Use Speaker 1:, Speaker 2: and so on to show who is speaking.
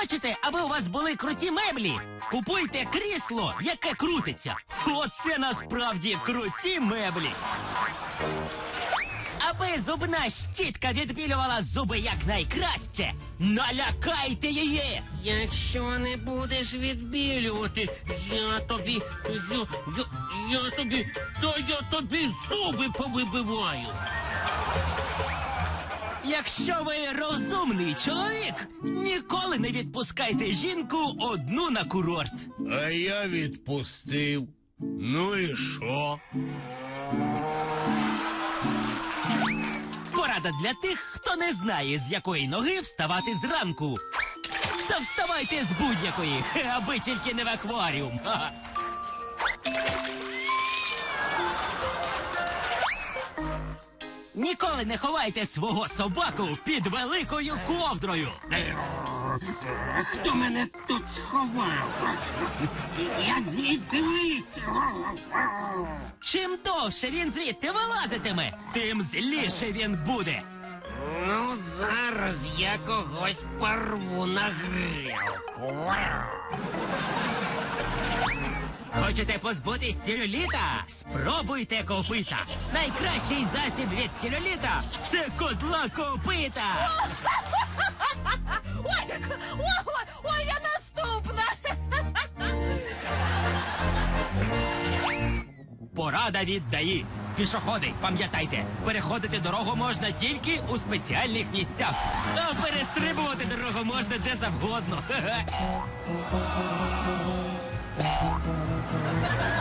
Speaker 1: Хочете, аби у вас були круті меблі? Купуйте крісло, яке крутиться. Оце насправді круті меблі. Аби зубна щітка відбілювала зуби якнайкраще, налякайте її!
Speaker 2: Якщо не будеш відбілювати, я тобі зуби повибиваю.
Speaker 1: Якщо ви розумний чоловік, ніколи не відпускайте жінку одну на курорт.
Speaker 3: А я відпустив. Ну і що?
Speaker 1: Порада для тих, хто не знає, з якої ноги вставати зранку. Та вставайте з будь-якої, аби тільки не в акваріум. Ха-ха. Ніколи не ховайте свого собаку під великою ковдрою.
Speaker 2: Хто мене тут сховав? Як звідси вилізти?
Speaker 1: Чим довше він звідти вилазитиме, тим зліше він буде.
Speaker 2: Ну, зараз я когось порву на грілку.
Speaker 1: Хочете позбутись целюліта? Спробуйте копита. Найкращий засіб від целюліта – це козла копита.
Speaker 4: Ой, я наступна!
Speaker 1: Порада від ДАІ. Пішоходи, пам'ятайте, переходити дорогу можна тільки у спеціальних місцях. А перестрибувати дорогу можна де завгодно.